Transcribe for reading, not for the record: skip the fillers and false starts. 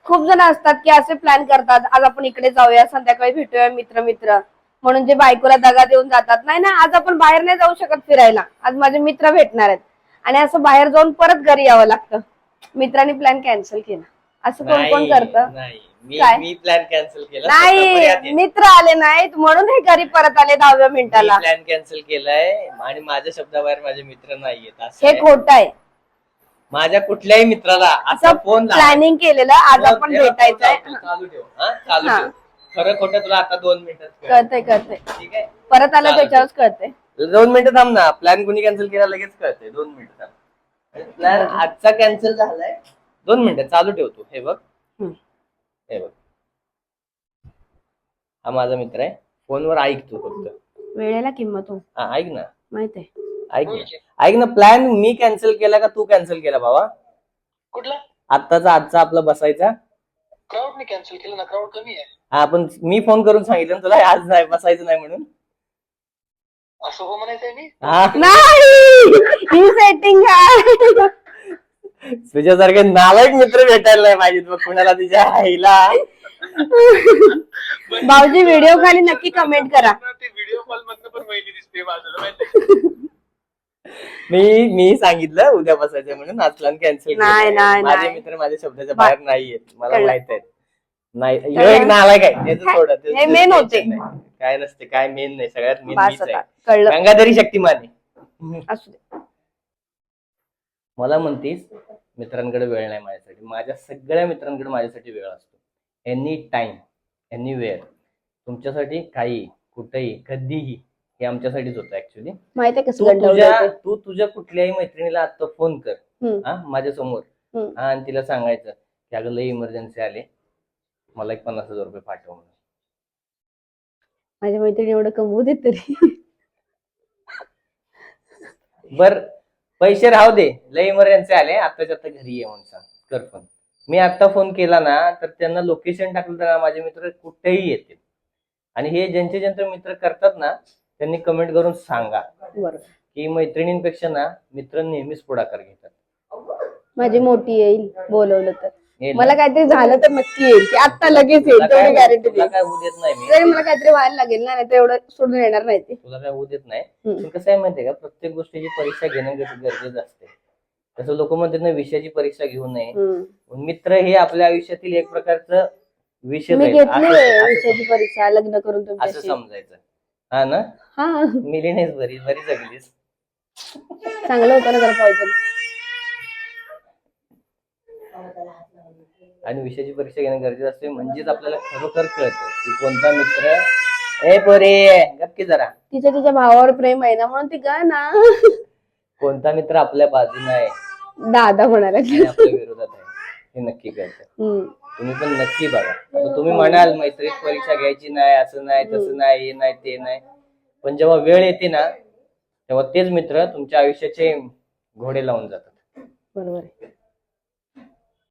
खूप जण असतात की असे प्लॅन करतात, आज आपण इकडे जाऊया, संध्याकाळी भेटूया मित्र मित्र म्हणून जे बायकोला दगा देऊन जातात. नाही ना, आज आपण बाहेर नाही जाऊ शकत फिरायला, आज माझे मित्र भेटणार आहेत आणि असं बाहेर जाऊन परत घरी यावं लागतं. मित्रांनी प्लॅन कॅन्सल केला, असं कोण कोण करतं? काय? मी प्लॅन कॅन्सल केला. नाही, मित्र आले नाहीत म्हणून हे घरी परत आले 10व्या मिनिटाला. प्लॅन कॅन्सल केलाय आणि माझ्या शब्दाबाहेर माझे मित्र नाहीयेत. हे खोटं आहे. माझ्या कुठल्याही मित्राला असं फोन प्लॅनिंग केलेलं, आज आपण भेटायचंय. चालू ठेव, चालू ठेव. खरं खोटं तुला आता 2 मिनिटात कळतंय. ठीक आहे, परत आलं त्याच्यावरच कळतंय. 2 मिनिटं थांब ना. प्लॅन कुणी कॅन्सल केला लगेच कळतंय. 2 मिनिटं थांब. प्लॅन आजचा कॅन्सल झालाय. 2 मिनिटं चालू ठेवतो. हे बघ, हे बघ, हा माझा मित्र आहे. फोनवर ऐक तू फक्त. वेळेला किंमत हो. ऐक ना, माहित आहे. ऐक ना. प्लॅन मी कॅन्सल केला का तू कॅन्सल केला बाबा? कुठला? आजचा आपला बसायचा. क्राऊडने कॅन्सल केलं ना, क्राऊड कमी आहे. हा, पण मी फोन करून सांगितलं तुला आज नाही बसायचं नाही म्हणून. असं हो म्हणायचंय मी? नाही, ही सेटिंग आहे. तुझ्यासारखे नालायक मित्र भेटायला नाही पाहिजेत बघ कुणाला तुझ्या आईला. भाऊजी व्हिडिओ खाली नक्की कमेंट करा. ते व्हिडिओ कॉल मधनं पण वहिनी दिसते बाजूला, माहिती. मी सांगितलं उद्या बसायचं म्हणून, आज प्लॅन कॅन्सल नाही. माझे मित्र माझ्या शब्दाच्या बाहेर नाहीयेत, मला माहित आहे. नाही, ह्यो एक नालायक आहे. त्याचं सोडत हे मेन होते. काय नसते, काय मेन नाही. सगळ्यात मेन बास मीच आता, आहे. कळलं. गंगाधरी शक्तिमान आहे. असू दे. मला म्हणतीस मित्रांकडे वेळ नाही माझ्यासाठी. माझ्या सगळ्या मित्रांकडे माझ्यासाठी वेळ असतो. Any time, anywhere. तुमच्यासाठी काही, कुठेही, कधीही. हे आमच्यासाठीच होतं ऍक्च्युली. माहित आहे कसं तू तुझ्या कुठल्याही मैत्रिणीला आता फोन कर माझ्या समोर, आणि तिला सांगायचं की अगं लई इमर्जन्सी आले, मला एक 50,000 रुपये पाठव म्हणून. माझ्या मैत्रिणी एवढं कमवू दे तरी. बर, पैसे राहू दे, लई इमर्जन्सी आले, आत्ताच्या आता घरी ये म्हणून सांग, कर फोन. मी आता फोन केला ना तर त्यांना लोकेशन टाकलं तर माझे मित्र कुठेही येतील. आणि हे ज्यांचे मित्र करतात ना त्यांनी कमेंट करून सांगा की मैत्रिणींपेक्षा ना मित्र नेहमीच पुढाकार घेतात. माझी मोठी येईल बोलवलं तर, मला काहीतरी झालं तर नक्की येईल, की आता लगेच येईल, तेवढी गॅरंटी दे. काय होऊ देत नाही मी. तरी मला काहीतरी व्हायला लागेल ना, नाही तर एवढं सोडून येणार नाही ते. तुला काय होऊ देत नाही. पण कसं आहे माहितीये का, प्रत्येक गोष्टीची परीक्षा घेणं गरजेचं असते. तसं लोक म्हणतात ना विषयाची परीक्षा घेऊ नये. मित्र हे आपल्या आयुष्यातील एक प्रकारचं विषय मी घेतली विषयाची परीक्षा लग्न करून असं समजायचं. हा ना, हा, मिली नाहीस, बरी जगलीस. चांगलं होतं ना जरा पॉइजन. आणि विषयाची परीक्षा घेणं गरजेचं असते, म्हणजेच आपल्याला खरोखर कळतं की कोणता मित्र पोरे गप्पी जरा तिच्या भावावर प्रेम आहे ना म्हणून ती का ना, कोणता मित्र आपल्या बाजूने आहे, दादा म्हणाला आपल्या विरोधात आहे, हे नक्की कळतं. तुम्ही पण नक्की बघा. आता तुम्ही म्हणाल मैत्रीत परीक्षा घ्यायची नाही, असं नाही तसं नाही, हे नाही ते नाही, पण जेव्हा वेळ येते ना तेव्हा तेच मित्र तुमच्या आयुष्याचे घोडे लावून जातात. बरोबर आहे.